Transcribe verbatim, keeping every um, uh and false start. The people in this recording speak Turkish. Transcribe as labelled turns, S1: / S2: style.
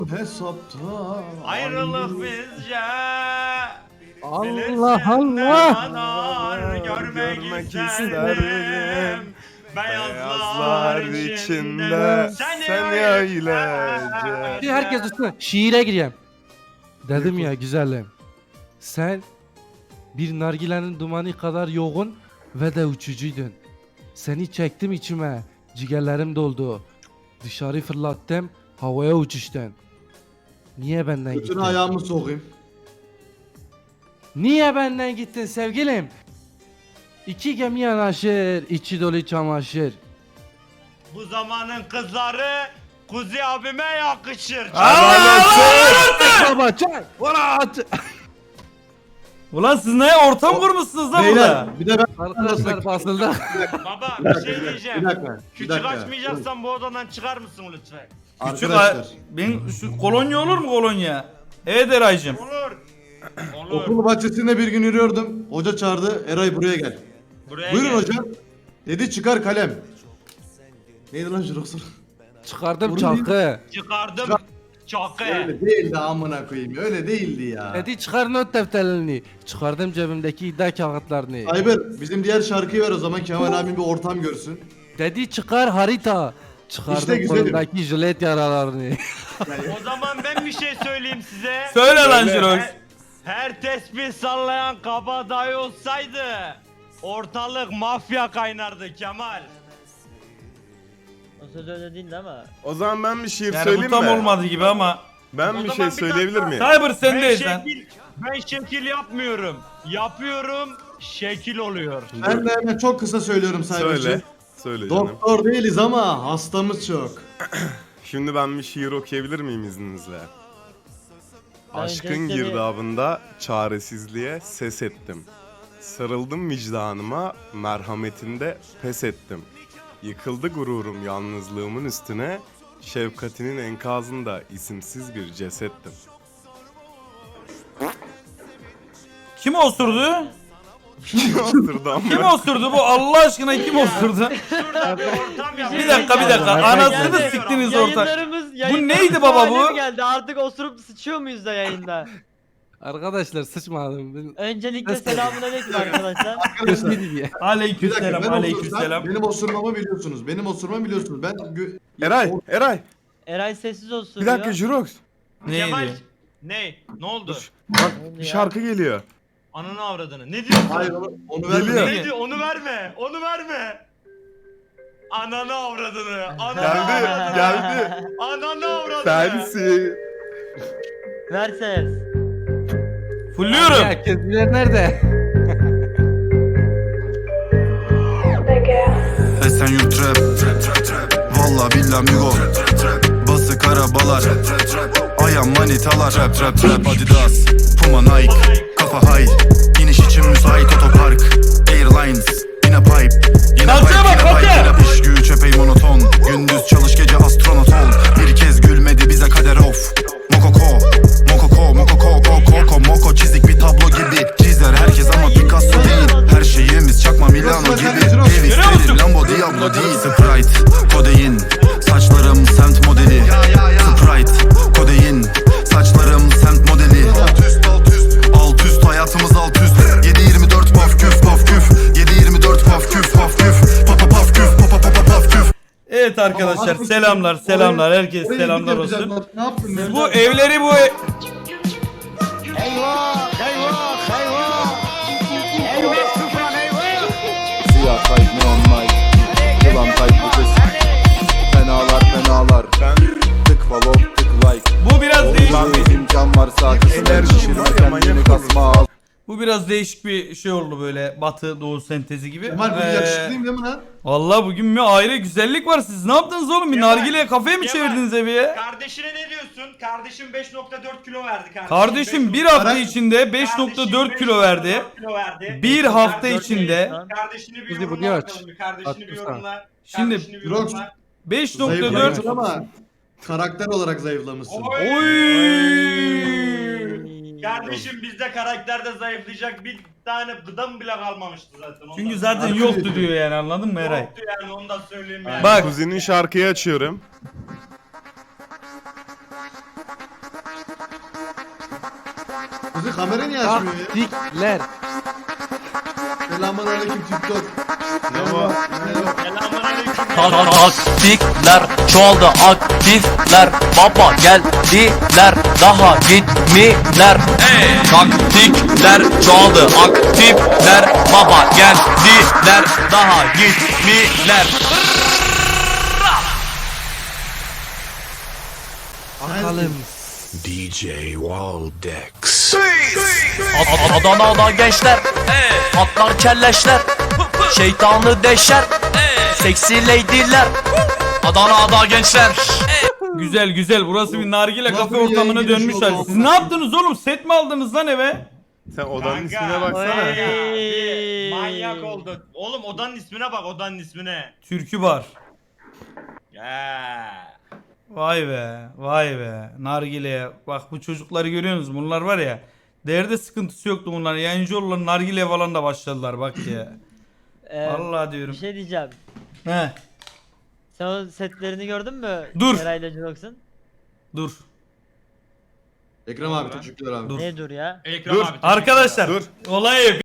S1: hesapta.
S2: Ayrılık bizce.
S3: Allah Allah.
S2: Allah. Görmek,
S4: Görmek
S2: isterdim.
S4: isterdim.
S2: Beyazlar içinde
S4: sen
S2: seni
S4: öylece.
S3: Şimdi herkes üstüne şiire gireyim. Dedim ya güzelim. Sen bir nargilenin dumanı kadar yoğun ve de uçucuydun. Seni çektim içime. Ciğerlerim doldu. Dışarı fırlattım. Havaya uçuştun. Niye benden gittin?
S1: Götüne ayağımı sokayım.
S3: Niye benden gittin sevgilim? İki gemi yanaşır, içi dolu çamaşır.
S2: Bu zamanın kızları Kuzi abime yakışır.
S3: Baba çay. Valla.
S5: Ulan siz ne ortam kurmuşsunuz lan burada?
S1: Beyler bir de ben
S3: Arkadaşlar basıldı.
S2: Baba bir şey diyeceğim.
S1: bir dakika. Bir
S2: Küçük
S1: dakika.
S2: açmayacaksan bu odadan çıkar mısın lütfen?
S5: Küçük
S1: Arkadaşlar.
S5: ay- ben şu kolonya olur mu kolonya? Evet Eray'cım.
S2: Olur. Olur.
S1: Okul bahçesinde bir gün yürüyordum. Hoca çağırdı. Eray buraya gel.
S2: Buraya
S1: Buyurun
S2: gel.
S1: hocam. Dedi çıkar kalem. Neydi lan Jirox?
S3: Çıkardım
S1: Vurun
S3: çakı.
S2: Çıkardım çakı.
S1: Öyle değildi amına koyayım. Öyle değildi ya.
S3: Dedi çıkar not defterlerini. Çıkardım cebimdeki iddia kağıtlarını.
S1: Ayber bizim diğer şarkıyı ver o zaman Kemal abim bir ortam görsün.
S3: Dedi çıkar harita. Çıkardım
S1: İşte güzelim.
S3: kolumdaki jilet yaralarını.
S2: O zaman ben bir şey söyleyeyim size.
S5: Söyle lan Jirox.
S2: Her, her tesbih sallayan kabadayı olsaydı ortalık mafya kaynardı Kemal.
S6: O söz öyle değildi ama.
S4: O zaman ben bir şiir
S5: Yani bu
S4: söyleyeyim
S5: tam
S4: mi?
S5: olmadı gibi ama.
S4: Ben
S2: O
S4: bir
S2: zaman
S4: şey
S2: bir
S4: söyleyebilir
S2: dakika.
S4: miyim?
S5: Cyber
S2: Ben
S5: sendeyiz lan.
S2: şekil, ben şekil yapmıyorum. Yapıyorum, şekil oluyor.
S1: Ben de hemen çok kısa söylüyorum Saybaşı.
S4: Söyle. Söyle canım.
S1: Doktor değiliz ama hastamız çok.
S4: Şimdi ben bir şiir okuyabilir miyim izninizle?
S6: Ben
S4: Aşkın
S6: öncelikle bir-
S4: girdabında çaresizliğe ses ettim. Sarıldım vicdanıma, merhametinde pes ettim. Yıkıldı gururum yalnızlığımın üstüne, şefkatinin enkazında isimsiz bir cesettim.
S5: Kim osurdu?
S4: Osurdu ama.
S5: Kim osurdu bu? Allah aşkına kim osurdu?
S2: Şurada bir ortam yap.
S5: Bir dakika bir dakika. Anasını
S6: Geldi.
S5: siktiniz ortak.
S6: Yayınlarımız,
S5: neydi baba bu?
S6: hale mi geldi? Artık osurup sıçıyor muyuz da yayında?
S3: Arkadaşlar sıçmadım. Ben
S6: Öncelikle selamünaleyküm arkadaşlar.
S1: Arkadaşlar
S3: diye.
S1: bir dakika
S5: Aleykümselam,
S1: ben
S5: aleykümselam.
S1: osursam benim osurmamı biliyorsunuz. Benim osurmamı biliyorsunuz. Ben gö-
S4: Eray, Eray.
S6: Eray sessiz olsun
S4: Bir dakika Jirox.
S2: Kemal.
S5: Neydi?
S2: Ne? Ne oldu?
S4: Bak
S6: oldu
S4: bir
S6: ya?
S4: şarkı geliyor.
S2: Ananı avradını. Ne diyorsun?
S1: Hayır onu, onu
S4: Geliyor.
S1: verme.
S2: Ne diyor? Onu verme. Onu verme. Ananı avradını. Ananı
S4: Geldi,
S2: avradını.
S4: geldi.
S2: Ananı avradını.
S4: Sensin.
S6: Ver ses.
S5: Fulluyorum.
S3: Ya kendileri nerede?
S7: Esenyurt rap Valla billah migo Basık arabalar Ayağım manitalar Rap rap rap Adidas Puma Nike Kafa high İniş için müsait otopark Airlines Yine pipe Yine
S5: Kalkıyor
S7: pipe
S5: bak,
S7: Yine pipe
S5: kalkıyor.
S7: Yine iş güç epey monoton Gündüz çalış gece astronot ol Bir kez gülmedi bize kader of Mokoko Mokoko Mokoko Koko Koko Moko çizik bir tablo gibi Çizer herkes ama Picasso değil Her şeyimiz çakma Milano gibi Ev isterim Lambo Diablo değil Sprite Kodein Saçlarım semt modeli Sprite Kodein Saçlarım semt modeli Alt üst alt üst Alt üst hayatımız alt üst yedi yirmi dört paf küf paf küf yedi yirmi dört paf küf paf küf Papa paf küf papa papa paf küf.
S5: Evet arkadaşlar
S1: Ama
S5: selamlar selamlar herkes
S1: Oraya
S5: selamlar
S1: gidip
S5: olsun.
S1: yapacaklar. Ne yaptın?
S5: Siz bu evleri bu e-
S8: Siyah tayt neon mic Yılan tayt bu kız Fenalar fenalar Tık follow tık like
S5: bu biraz değişik
S8: Lan
S5: bir,
S8: bir imkan varsa kısmen
S4: Enerjim
S8: şişirme
S4: var ya,
S8: kendini
S4: manyak
S8: kasma al
S5: bu biraz değişik bir şey oldu böyle batı doğu sentezi gibi.
S1: Kemal bu
S5: Ee,
S1: yakışıklıyım değil mi lan?
S5: Vallahi bugün bir ayrı güzellik var. Siz ne yaptınız oğlum? Bir
S2: Kemal,
S5: nargile kafeye mi
S2: Kemal.
S5: çevirdiniz evi ya?
S2: Kardeşine ne diyorsun? Kardeşim beş nokta dört kilo verdi kardeşim.
S5: Kardeşim bir
S2: beş nokta-
S5: hafta içinde beş nokta dört kilo verdi.
S2: kilo verdi.
S5: Bir hafta
S2: Kardeşini-
S5: içinde
S2: Kardeşini bir
S3: Kuzi, bu
S2: yorumla
S3: niye aç?
S2: bakalım bir. Kardeşini bir
S3: At,
S2: yorumla.
S5: Şimdi-
S2: Kardeşini bir
S1: Jirox.
S2: yorumla.
S5: beş nokta dört
S1: Zayıflamışsın ama karakter olarak zayıflamışsın.
S5: Oy!
S2: Kardeşim bizde karakterde zayıflayacak bir tane gıdam bile kalmamıştı zaten. Ondan
S5: Çünkü
S2: sonra-
S5: zaten yoktu diyor yani anladın mı Eray?
S2: Yoktu yani onu da söyleyeyim yani.
S5: Bak
S4: Kuzinin şarkıyı açıyorum.
S1: Kuzi kamera niye açmıyor ya?
S3: Taktikler.
S1: Selamun aleyküm TikTok.
S4: Ne var?
S2: Selamünaleyküm.
S9: Taktikler çoğaldı aktifler baba geldiler daha gitmiler Taktikler çoğaldı aktifler baba geldiler daha gitmiler
S3: Bakalım.
S9: Ad- Adana'da gençler atlar kelleşler şeytanı deşer seksi lady'ler Adana'da gençler
S5: Güzel güzel. Burası bir nargile kafe
S1: Kafayı
S5: ortamına
S1: yayın girişi
S5: dönmüşler.
S1: oldu.
S5: Siz ne yaptınız oğlum? Set mi aldınız lan eve?
S4: Sen odanın
S2: Kanka.
S4: ismine baksana.
S2: Oy. Bir manyak oldu. Oğlum odanın ismine bak, odanın ismine.
S5: Türkü bar.
S2: Ya.
S5: Vay be, vay be. Nargile'ye. Bak bu çocukları görüyorsunuz. Bunlar var ya. Değerde sıkıntısı yoktu bunlar. Yayıncı olurlar nargile falan da başladılar bak ya.
S6: Ee,
S5: Vallahi diyorum.
S6: Bir şey diyeceğim.
S5: He,
S6: Sen o setlerini gördün mü?
S5: Dur.
S6: Eray'la Jurox'un.
S5: dur.
S1: Ekrem abi teşekkürler abi.
S5: Dur.
S6: Ne dur ya?
S2: Ekrem
S4: Dur.
S2: abi, teşekkür
S5: Arkadaşlar
S4: Dur.
S5: olayı